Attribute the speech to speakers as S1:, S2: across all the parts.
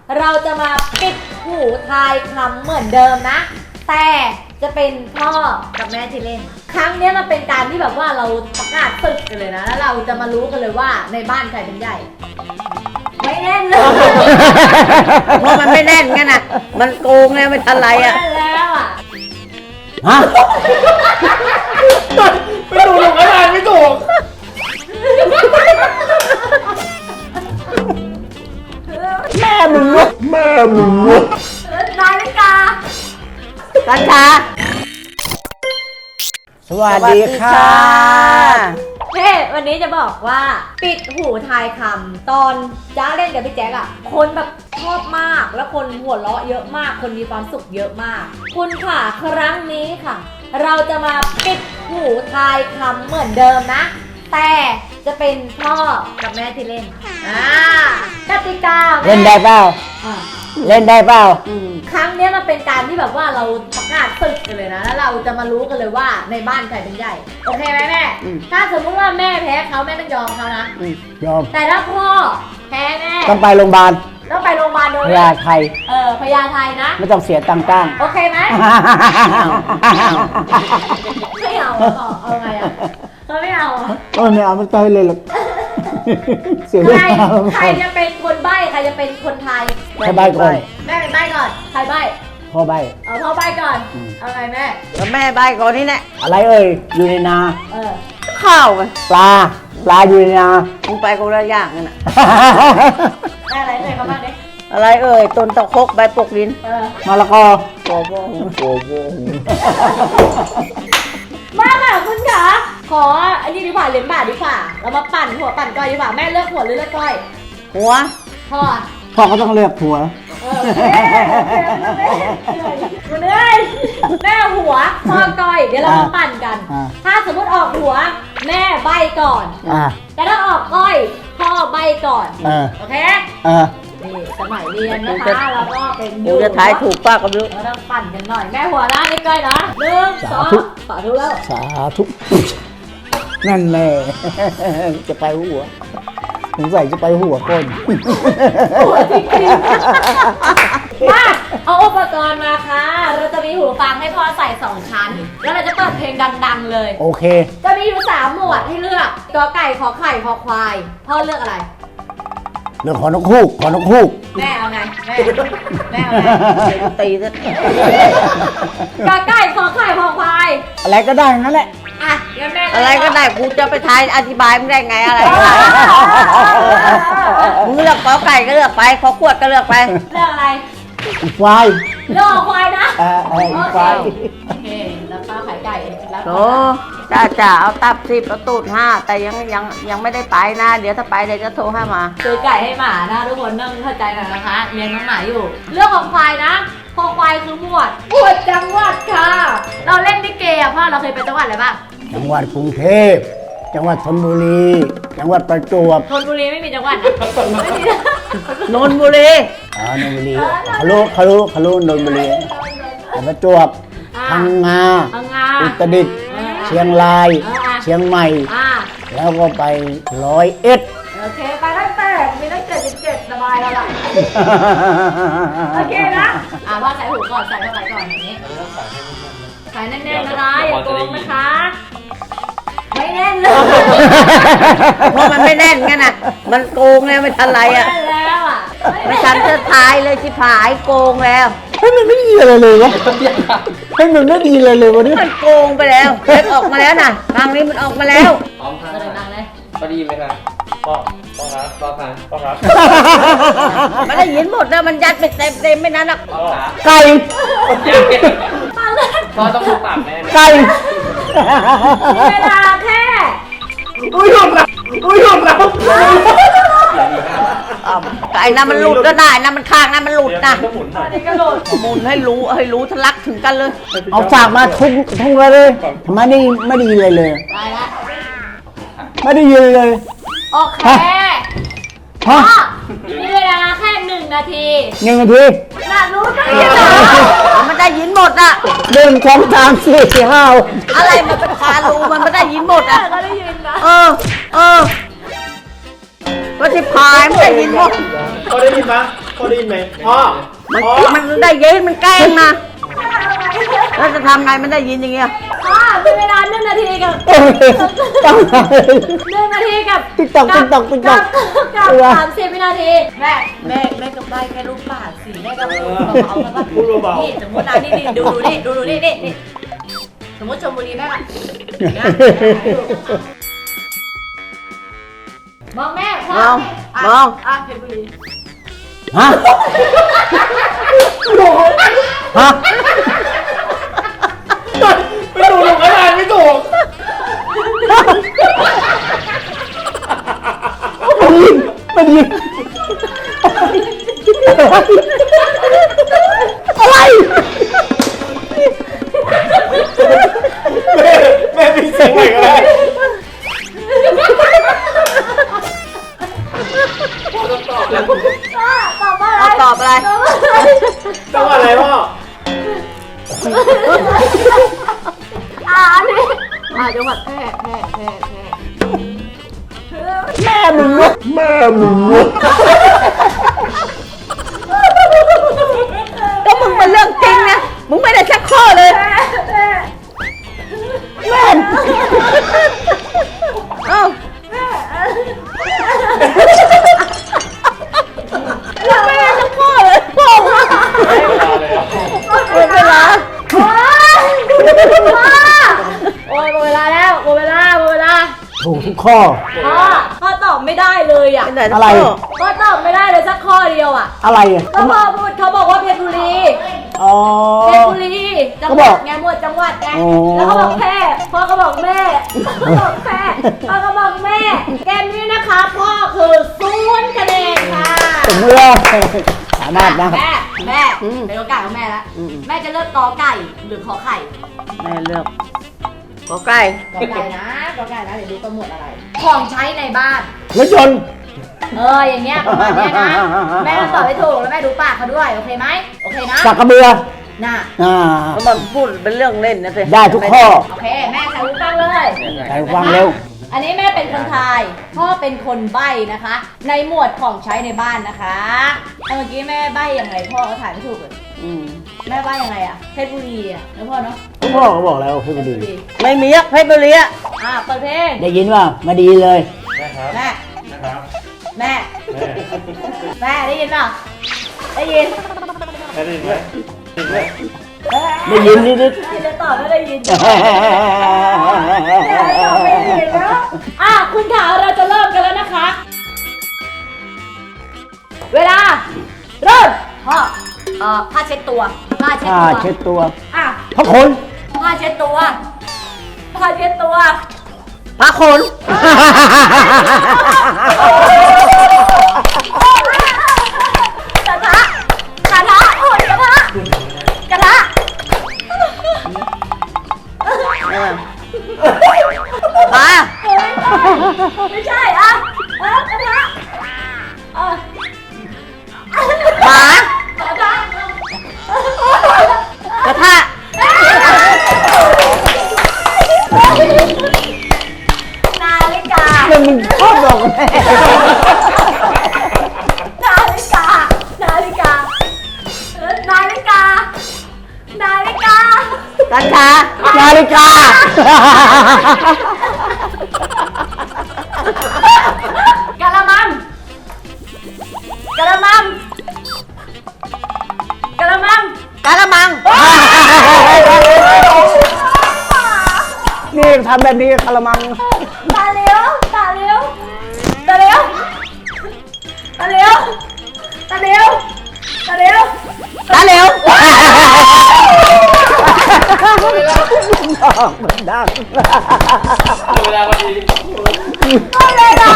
S1: เราจะมาปิดหูทายคำเหมือนเดิมนะ แต่จะเป็นพ่อกับแม่ที่เล่น ครั้งนี้มันเป็นการที่แบบว่าเราประกาศศึกกันเลยนะ แล้วเราจะมารู้กันเลยว่าในบ้านใครเป็นใหญ่ ไม่แน่นเลย
S2: เพราะมันไม่แน่นไงน่ะ มันโกงแล้วไม่ทันไรอ่ะ
S1: ไม่แน่นแล้วอ่ะ
S3: ฮะ
S4: ไม่ถูกหรอกอะไรไม่ถูก
S3: แม่มึงวะ
S1: นาฬิกา
S2: กัญชา
S3: สวัสดีค่ะ
S1: เฮ้วันนี้จะบอกว่าปิดหูทายคำตอนจ้าเล่นกับพี่แจ๊คอะคนแบบชอบมากแล้วคนหัวเราะเยอะมาก คนมีความสุขเยอะมาก คุณค่ะครั้งนี้ค่ะ เราจะมาปิดหูทายคำเหมือนเดิมนะ แต่จะเป็นพ่อกับแม่ที่เล่นกติกาแม่
S3: เล่นได้เปล่า
S1: อ่ะ
S3: เล่นได้เปล่า
S1: ครั้งนี้มันเป็นการที่แบบว่าเราประกาศศึกกันเลยนะ แล้วเราจะมารู้กันเลยว่าในบ้านใครเป็นใหญ่ โอเคไหมแม่ ถ้าสมมติว่าแม่แพ้เขาแม่ต้องยอมเขานะ
S3: ยอม
S1: แต่ถ้าพ่อแพ้แม่
S3: ต้องไปโรงพยาบาล
S1: ต้องไปโรงพยาบาลโดย
S3: พญาไทย
S1: พญาไทนะ
S3: ไม่ต้องเสียตังค์จ้าง
S1: โอเคไหมไม่เอาเอาไงอ่ะเขาไม่เอาอ่ะ
S3: โอ้ยไม่เอาไม่ต้องให้เลยหรอกเสีย
S1: ใค
S3: เว
S1: ร
S3: ลา
S1: ใครจะเป็นคนใบ้ใครจะเป็นคนไทย
S3: ให้ใบก่อน
S1: แม่เป็นใบ้ก่อนใครใบ้
S3: พ่อใบ
S1: เอาพ่อใบ้ก่อนเอาไงแม่
S2: แล้วแม่ใบก่อนนี่แหละ
S3: อะไรเอ่ยอยู่ในนา
S2: ข้าวไง
S3: ปลาอยู่ในนา
S2: มึงไปคนละอย่างกันน่ะ
S1: แม่อะไรแม่เขาบ้างดิ
S2: อะไรเอ่ยต้นตะคกใบปกดิน
S3: มะละกอ
S2: โอ้โห
S1: มาค่ะคุณขาขออันนี้ดีกว่าเหรียญบาทดีกว่าเรามาปั่นหัวปั่นก้อยดีกว่าแม่เลือกหัวหรือเลือกก้อย
S2: หัว
S1: พ่อ
S3: พ่อก็ต้องเลือกผัว
S1: คุณเอ้ยแม่หัวพ่อก้อยเดี๋ยวเรามาปั่นกัน ถ้าสมมติออกหัวแม่ใบก่อน แต่ถ้าออกก้อยพ่อใบก่อนโอเคนี่สมัยเรียนนะคะเราก็เป็น
S2: เดี๋ยวจะทายถูกป้าก็ไม่รู้
S1: เราต้องปั่นกันหน่อยแม่หัวนะนี่ก้อยนะ1 2 สาธุแล้ว
S3: สาธุนั่นแหละจะไปหัวสงสัยจะไปหัวก้น
S1: หัวจริงๆมาเอาอุปกรณ์มาค่ะ เราจะมีหูฟังให้พ่อใส่2ชั้น แล้วเราจะเปิดเพลงดังๆเลย
S3: โอเค
S1: จะมีอยู่3หมวดให้เลือกกอไก่ขอไข่คอควายพ่อเลือกอะไร
S3: เรื่องขอนกฮูกขอนกฮูก
S1: แม่เอาไงแม่เอาไง
S2: เดี๋ยวกูตีซะ
S1: กอไก่ขอไข่คอควาย
S3: อะไรก็ได้นั่นแหละ
S1: อ่ะเดี๋ยวแม่
S2: อะไรก็ได้กูจะไปทายอธิบายมึงได้ไงอะไรมึงเลือกขอไก่ก็เลือกไปขอขวดก็เลือกไป
S1: เลือกอะไร
S3: ควาย
S1: เลือกควายนะ
S3: ควาย
S1: โอเคแล้วก็ไข่ไก่แล้ว
S2: โอ้จ้าเอาตับ10เอาตูด5แต่ยังไม่ได้ไปนะ เดี๋ยวถ้าไปเดี๋ยวจะโทรให้มา
S1: ซื้อไก่ให้หมานะทุกคนต้องเข้าใจหน่อยนะคะเลี้ยงน้องหมาอยู่ เรื่องของควายนะคอควายคือหมวดจังหวัดค่ะ เราเล่นลิเกอ่ะพ่อเราเคยไปจังหวัดอะไรบ้าง
S3: จังหวัดกรุงเทพจังหวัดธนบุรี จังหวัดประจวบ
S1: ชลบุรีไม่มีจังหวัดนะไม่มี
S2: นนบุรี
S3: นนบุรีคารุนนบุรีประจวบพังงา
S1: พังงา
S3: อุตรดิตถ์เชียงราย เชียงใหม่ แล้วก็ไป101
S1: โอเคไปตั้งแต่มีตั้ง77สบายแล้วล่ะโอเคนะว่าใส่หูก่อนใส่เข้าไปก่อนอย่างนี้ใส่แน่นๆนะคะอย่าโกงนะคะไม่แน่นเลย
S2: เพราะมันไม่แน่นไงน่ะ มันโกงแล้วไม่ทันไรอ่ะ
S1: ไม่แน่นแล้วอ่ะ
S2: ไม่ทันจะทายเลยชิบหายโกงแล้ว
S3: เฮ้ยมันไม่ดีอะไรเลยวะเฮ้ยมันไม่ดีเลยเลยวะเนี่ย
S2: มันโกงไปแล้วเล็บออกมาแล้วน่ะทางนี้มันออกมาแล้ว
S4: พร้อมครับ
S1: ก็เลยนั่งเลย
S4: พอดีไหมครับพ่อครับพ่อครับ
S2: มันได้ยินหมดนะมันยัดไปเต็มไม่นั้นหรอก
S4: พ่อครับ
S3: ไก่
S1: มาเลย
S4: พ่อต้องดูปากแม่นะ
S3: ไก่
S1: เวลาแค่
S3: อุ้ยหยุดแล้ว
S2: ไก่นะมันหลุดก็ได้นะมันข้างนะมันหลุดนะ
S4: ต้องหมุนหน่อย
S1: นี่กระโดด
S2: หมุนให้รู้ทะลักถึงกันเลย
S3: เอาสากมาทุ่งเลยทำไมไม่ดีเลยเลย
S1: ได้ละ
S3: ไม่ได้ยินเลย
S1: โอเค
S3: ฮะ
S1: มีเวลาแค่1 นาที
S3: 1 นาที
S1: น่ารู้จังเลยนะ
S2: มันได้ยินหมดอ่ะ
S3: 1 2 3 4 5
S2: อะไรมันเป็นคารูมันไม่ได้ยินหมดอ่ะ
S1: ก็ได้ยินนะ
S2: ก็ที่พายไม่ได้ยินหมด
S4: เขาได้ยินปะเขาได้ยินไหมพ่อ
S2: มันได้ยินมันแกล้งนะแล้วจะทำไงมันได้ยินอย่างเงี้ย
S1: มีเวลา1 นาทีกับ
S3: ต้อง
S1: 1 นาทีกับ
S3: ติ๊กต๊อกติ๊กต๊อกติ๊กต๊อก
S1: กับ30 วินาที แม่ก็ใบแค่รูปปากสิแม่ก็พูดเบาๆแล้วก็
S4: พูดเบา
S1: นี่สมมตินะนี่ดูนี่สมมติชมบุรีแม่ก็มองแม่พ่อมองเพชรบุรี
S3: ฮะฮะ
S4: ไม่ถูกหนูก็ทานไม่ถูก
S3: มันยิงอะไร
S4: แม่มีเสียงใหม่ก็ได้พ่อต้องตอบแล้ว
S1: ตอบว่าอะไร
S2: เอาตอบอะไร
S4: จังหวัดอะไรพ่อ
S1: อันนี้จังหวัดแพร่
S3: แม่มึงวะแม่มึงวะ
S2: ก็มึงเป็นเรื่องจริงนะมึงไม่ได้ชักข้อเลย
S3: แม่
S2: เอ้าไม่ได้ชักข้อเลยโป่งอะ
S4: เวลาเลยอ่ะ
S2: หมดเวลา
S1: โอ้ยหมดเวลาแล้วหมดเวลา
S3: ถูกทุกข้อ
S1: พ่อตอบไม่ได้เลยอ่ะ
S2: ไม่ได้ชัก
S3: อะไร
S2: ข้อ
S1: พ่อตอบไม่ได้เลยสักข้อเดียวอ่ะ
S3: อะไรอ่ะ
S1: ก็พ่อพูดเขาบอกว่าเพชรบุรี
S3: อ๋อ
S1: เพชรบุรีจังหวัดไงหมวดจังหวัดไง
S3: อ๋อ
S1: แล้วเขาบอกแพร่พ่อก็บอกแม่พ่อบอกแพร่พ่อก็บอกแม่ เกมนี้นะคะพ่อคือ0 คะแนนค่ะ
S3: สมมติว่าสามารถนะ
S1: แม่เป็นโอกาสของแม่แล้วแม่จะเลือกกอไก่หรือขอไข่
S2: แม่เลือกขอไก่
S1: กอไก่นะเดี๋ยวดูประหมวดอะไร ของใช้ในบ้าน
S3: รถยนต์
S1: อย่างเงี้ยประมาณเนี้ยนะ แม่ต้องตอบให้ถูกแล้วแม่ดูปากเขาด้วยโอเคไหมโอเคนะ
S3: สักกระเบือ
S1: น่ะ
S2: แล้วมันพูดเป็นเรื่องเล่นนะสิ
S3: ได้ทุกข้อ
S1: โอเคแม่ใส่หูฟังเลย
S3: ใส่ฟังเร็ว
S1: อันนี้แม่เป็นคนทายพ่อเป็นคนใบ้นะคะ ในหมวดของใช้ในบ้านนะคะเมื่อกี้แม่ใบ้ยังไงพ่อก็ถ่ายไม่ถูกเลย
S2: อืม
S1: แม่ใบ้ยังไงอะเพชรบุรีอะแล้วพ่อเนาะ
S3: ทุกพ่อก็บอกแล้วให้มาดู
S2: ไม่มีอะเพชรบุรีอะ
S1: เปิดเพลง
S3: ได้ยินว่ามาดีเลย
S4: นะครับ
S1: แม่
S4: นะครับ
S1: แม่
S4: แม่
S1: แม่ได้ยินเปล่าได้ยิน
S4: ได้ยินไหมได้ยินไหม
S3: ได้ยินนิด
S1: จะตอบไม่ได้ยิน
S3: ๆ
S1: คุณขาเราจะเริ่มกันแล้วนะคะ เวลา เริ่มพ่อผ้าเช็ดตัวผ้าเช็ด
S3: ผ้า
S1: ตัว
S3: เช็ดตัว
S1: อ่ะ
S3: พระคน
S1: ผ้าเช็ดตัวผ้าเช็ดตัว
S2: พระคน
S1: กระทะโอ้ยกระทะ
S2: ปลา
S1: ไม่ใช่อ่ะกระทะ
S2: หมาก
S1: ระทะ
S2: กระทะ
S1: นาฬิกา
S3: มันมึงชอบบอกแม่
S1: นาฬิกานาฬิกานาฬิกานาฬิกา
S2: กัญชา
S3: นาฬิกา
S1: กะละมังกะละมังกะละมัง
S2: กะละมัง
S3: นี่ทำแบบนี้กระมัง
S1: ตาเหลียวตาเหลียวตาเหลียวตาเหลียวตาเหลียวตาเหลียว
S2: ตาเหลว
S3: มันดัง
S4: เวลาพอดี
S1: ก็เลยนะ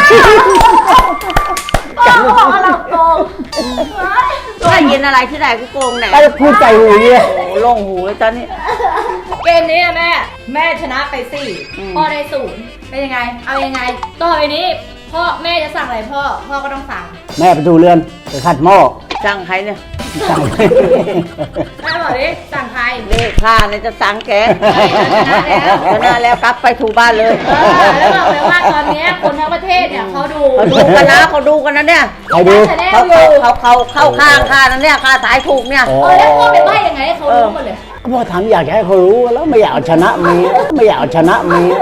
S1: โอ้โหหลับตรง
S2: ได้ยินอะไรที่ไหนกูโกงแหน่
S3: ไอ้พูดใจหูเนี่ย
S2: โอ้โหโล่งหูเลยตอนนี้
S1: เกมนี้แม่ชนะไป4พ่อได้0เป็นยังไงเอายังไงต่อไปนี้พ่อแม่จะสั่งอะไรพ่อก็ต้องสั่ง
S3: แม่ไปดูเรือนไปขัดหม้อ
S2: จ้างใครเนี่ย
S1: ส
S3: สั่ง
S1: แม่บอกดิสั่งใคร
S2: นี่ข้าเนี่ยจะสั่งแก
S1: ชนะแล้ว
S2: ชนะแล้วกลับไปถูบ้านเลย
S1: แล้วบอกเลยว่าตอนเนี้ยคนทั้งประเทศเนี่ยเขาดู
S2: เขาดูกันนะเขาดูกันนะเนี่ย
S3: ใครดู
S1: ชาแนล
S2: เขา
S1: อยู่
S2: เข้าข้างข้านั่นเนี่ยข้าสายถูกเนี่ย
S3: อ๋อ
S1: แล้วพ่อไปใบ้ยังไงให้เขารู้หมดเลย
S3: ก็พ่อทำอยากจะให้เขารู้แล้วไม่อยากเอาชนะเมียไม่อยากเอาชนะเมีย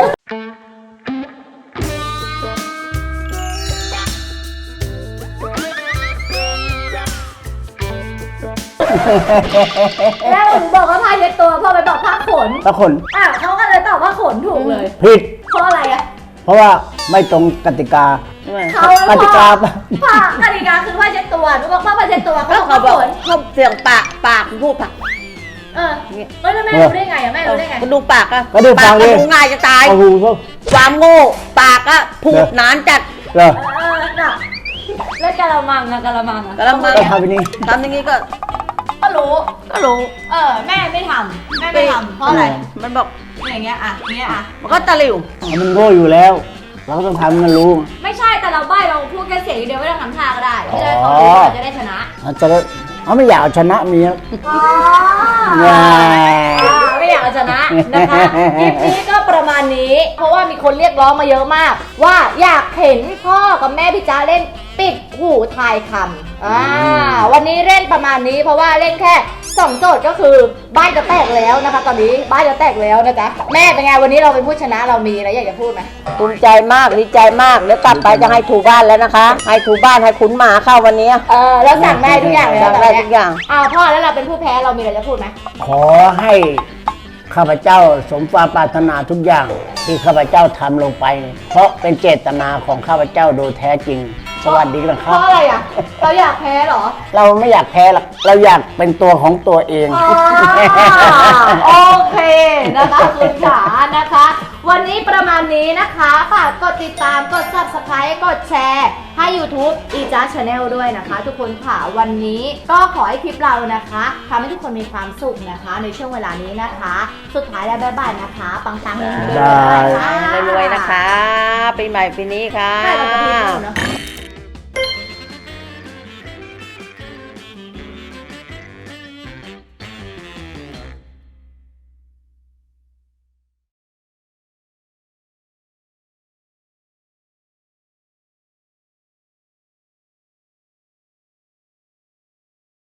S1: แล้วหนูบอกว่าผ้าเช็ดตัวพ่อไปบอกผ้าขน
S3: ถ้าคน
S1: เขาก็เลยตอบว่าขนถูกเลย
S3: ผิด
S1: เพราะอะไรอ่ะ
S3: เพราะว่าไม่ตรงกติกา
S1: เขา
S3: กติกา
S1: ผ้ากติกาคือผ้าเช็ดตัวหนูบอกผ้าเช็ดตัวเขา
S2: แล้ว
S1: บอก
S2: เขาบอก
S1: ขน
S2: เขาเสียงปากพูดปาก
S1: เฮ้ยแล้วแม่รู้ได้ไงอ่ะแม่รู้ได้ไง
S2: ก็ดูปากอะ
S3: ก็ดูฟังดิ
S2: ดูง่ายจะตาย
S3: เอาหูเขา
S2: ความโง่ปากอะพูดนานจัด
S3: เหรอ
S1: น่ะแล้วกะละมังอะกะละมังอะ
S2: กะละมัง
S3: ก็ทำไปนี่
S2: ทำอย่างนี้ก็
S1: ก็รู้
S2: รู้
S1: แม่ไม่ทำแม่ไม่ทำเพราะอะไร
S2: มันบอก
S1: อย่างเงี้ยอ่ะอย่างเงี้ยอ่ะ
S2: มันก็ตะหลิว
S3: มันโง่อยู่แล้ว เราก็ต้องทำให้มันรู้
S1: ไม่ใช่แต่เราใบ้เราพูดแค่เสียงเดียวไม่ต้องทำท่าก็ได้จะได้
S3: อ๋
S1: เขา
S3: อ
S1: รู้เราจะได้ชนะ
S3: จะได้เขาไม่อยากเอาชนะเมีย
S1: อ๋อ
S3: ว้า
S1: ไม่อยากเอาชนะนะคะคลิปนี้ก็ประมาณนี้ เพราะว่ามีคนเรียกร้องมาเยอะมาก ว่าอยากเห็นพ่อกับแม่พี่จ๊ะเล่นปิดหูทายคำวันนี้เล่นประมาณนี้เพราะว่าเล่นแค่2โจทย์ก็คือบ้านจะแตกแล้วนะคะ ตอนนี้บ้านจะแตกแล้วนะจ๊ะแม่เป็นไงวันนี้เราเป็นผู้ชนะเรามีอะไรอยากจะพูดไหม
S2: ภูมิใจมากดีใจมากเดี๋ยวกลับไปจะให้ถูบ้านแล้วนะคะ ให้ถูบ้านให้ขุนหมาเข้าวันนี้
S1: แล้วสั่งได้ทุกอย่างเลย
S2: สั่งได้ทุกอย่าง
S1: พ่อแล้วเราเป็นผู้แพ้เรามีอะไรจะพูดไหม
S3: ขอให้ข้าพเจ้าสมความปรารถนาทุกอย่างที่ข้าพเจ้าทำลงไป เพราะเป็นเจตนาของข้าพเจ้าโดยแท้จริง สวัสดีนะค
S1: เพ
S3: รับ
S1: ราะอะไรอ่ะเราอยากแพ้เหรอ
S3: เราไม่อยากแพ้หรอกเราอยากเป็นตัวของตัวเอง
S1: โอเคนะคะคุณจ๋านะคะ วันนี้ประมาณนี้นะคะฝากกดติดตามกด subscribe กดแชร์ให้ YouTube อีจ้า Channel ด้วยนะคะ ทุกคนค่ะวันนี้ก็ขอให้คลิปเรานะคะทำให้ทุกคนมีความสุขนะคะ ในช่วงเวลานี้นะคะ สุดท้ายแล้วบ๊ายบายนะคะปังๆเลย
S3: บ๊ายบาย
S1: ค่ะ
S2: รวยๆนะคะปีใหม่ปีนี้ค่ะ
S1: ใช่เราจะพูดเนอะ